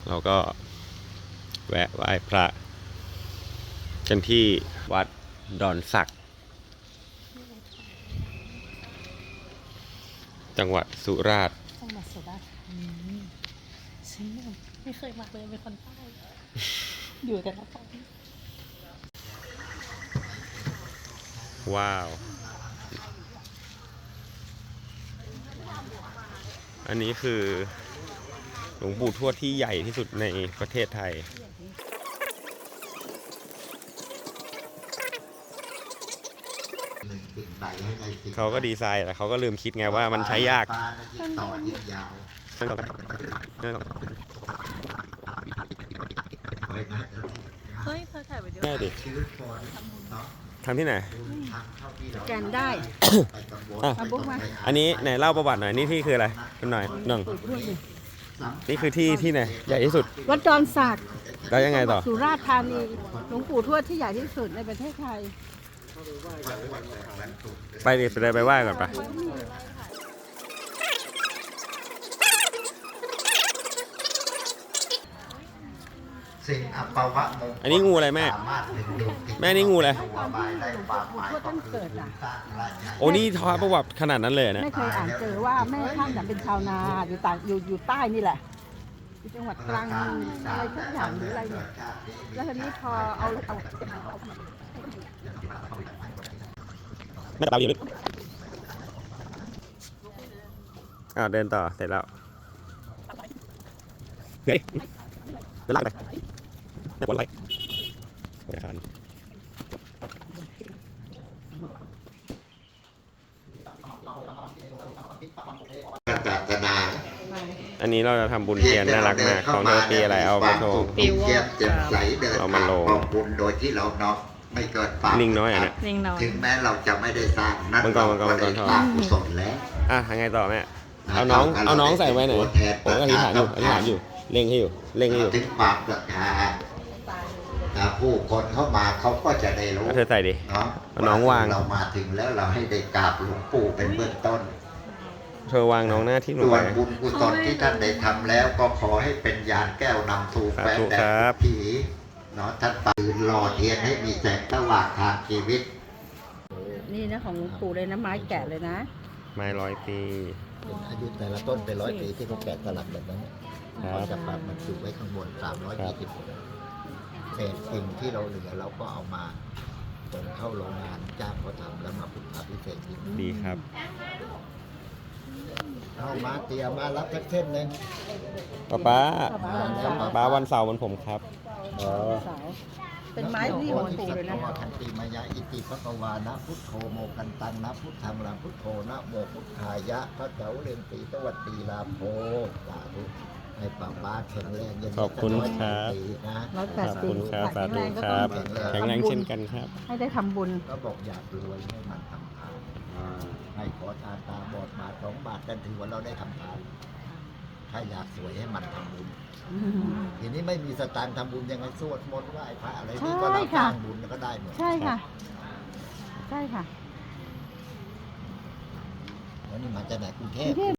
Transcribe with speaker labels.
Speaker 1: เราก็แวะไหว้พระกันที่วัดดอนสักจังหวัดสุราษฎร์
Speaker 2: จังหวัดสุราษฎร์ธานีฉันไม่เคยมาเลยเป็นคนใต้ อยู่แต่ละคน
Speaker 1: ว้าว อันนี้คือหลวงปู่ทวดที่ใหญ่ที่สุดในประเทศไทย เขาก็ดีไซน์แต่เขาก็ลืมคิดไงว่ามันใช้ยาก
Speaker 2: เฮ้ยเธอถ่ายวิดีโอ
Speaker 1: แม่ดิทำที่ไหน
Speaker 2: แกนได้
Speaker 1: อ่ะ
Speaker 2: มาบุ๊กมา
Speaker 1: อันนี้ไหนเล่าประวัติหน่อย นี่ที่คืออะไรคุณหน่อยหนึ่งนี่คือที่ไหนใหญ่ที่สุด
Speaker 2: วัดดอนสัก
Speaker 1: แล้วยังไงต่อ
Speaker 2: สุราษฎร์ธานีหลวงปู่ทวดที่ใหญ่ที่สุดในประเทศไทย
Speaker 1: ไปดิไปไหว้ก่อนไปะ
Speaker 3: สิ่งอัปวะมงคล
Speaker 1: อันนี้งูอะไรแม่ แม่นี่งูอะไร โอ้นี่ทอดประวัติขนาดนั้นเลยนะ
Speaker 2: ไม่เคยอ่านเจอว่าแม่ท่านเป็นชาวนาอยู่ต่างอยู่ใต้นี่แหละอยู่จังหวัดตรังอะไรทุกอย่างหรืออะไรเนี่ยแล้วทีนี้พอเอา
Speaker 1: แม่ตาอยู่ลึกเดินต่อเสร็จแล้วเฮ้ยเดินไล่ไปเนี่ยวนไล่ธนาคารอันนี้เราจะทำบุญเทียนน่ารักมากของเธอปีอะไรเอามาโชว์
Speaker 3: เทียนเจ็บใสเดิน
Speaker 1: เอามาลง
Speaker 3: ขอบคุณโดยที่เราเนาะไม่เกิดบาป
Speaker 1: ลิงน้อยอ่ะเนี่ย
Speaker 2: ลิงน้อย
Speaker 3: ถึงแม้เราจะไม่ได้สร้างนั่น
Speaker 1: มังกรมังกรมังกรทอง
Speaker 3: บาปกุศลแล้ว
Speaker 1: ยังไงต่อแม่เอาน้องใส่ไว้ไหนผมก็อธิษฐานอยู่เล่งให้อยู่
Speaker 3: ถึงความศรัทธาผู้คนเข้ามาเขาก็จะได้รู้
Speaker 1: เอาเธอใส่ดิ
Speaker 3: เนาะ
Speaker 1: เอาน้องวาง
Speaker 3: เรามาถึงแล้วเราให้ได้กราบหลวงปู่เป็นเบื้องต้น
Speaker 1: เธอวางน้องหน้าที่ลง
Speaker 3: ส่ว
Speaker 1: ไป
Speaker 3: นบุญกุศลที่ท่านได้ทำแล้วก็ขอให้เป็นยานแก้วนำทูแฝงแด
Speaker 1: ครั
Speaker 3: ด
Speaker 1: บ
Speaker 3: ผีเนาะท่านปืนหล่อเทียนให้มีแสงสว่างทางชีวิต
Speaker 2: นี่นะของหลวงปู่เลยนะไม้แกะเลยนะ
Speaker 1: ไม้100 ปี
Speaker 3: อายุแต่ละต้นเป็น100 ปีที่เขาแกะสลักแบบนั้น
Speaker 1: ครับ
Speaker 3: เขาจะปรับมันจุไว้ข้างบน320เศษสิ่งที่เราเหลือเราก็เอามาส่งเข้าโรงงานจ้างเขาทำแล้วมาพุทธาพิเศษอีก
Speaker 1: ดีครับ
Speaker 3: เอามาเตรียมมารับสักเส้นหนึ่ง
Speaker 1: ป้าวันเสาร์วันผมครับ
Speaker 2: เสาเป็นไม้ที่ของหลวงปู่เลยนะ
Speaker 3: ทันติมายะอิติภควานะพุทโธโมกันตังนะพุทธังลังพุทโธนะโมพุทธายะพระเจ้าเรียนตีตวัดตีลาโภสาธุให้ป้าแข็งแรงเย็น
Speaker 1: ขอบคุณครับ
Speaker 3: นะ
Speaker 1: ขอบคุณครับสาธุครับ แข็งแรงเช่นกันครับ
Speaker 2: ให้ได้ทำบุญ
Speaker 3: ก็บอกอยากรวยให้มันทำทานให้ขอทานตาบอดบาท2 บาทกันถือว่าเราได้ทำทานถ้าอยากสวยให้มันทำบุญทีนี้ไม่มีสตางค์ทำบุญยังไงสวดมนต์ไหว้พระอะไรนี่ก็เราสร้างบุญก็ได้หมด
Speaker 2: ใช่ค่ะ ใช่ค่ะ
Speaker 3: แล้วนี่มาจากไหนกรุงเทพ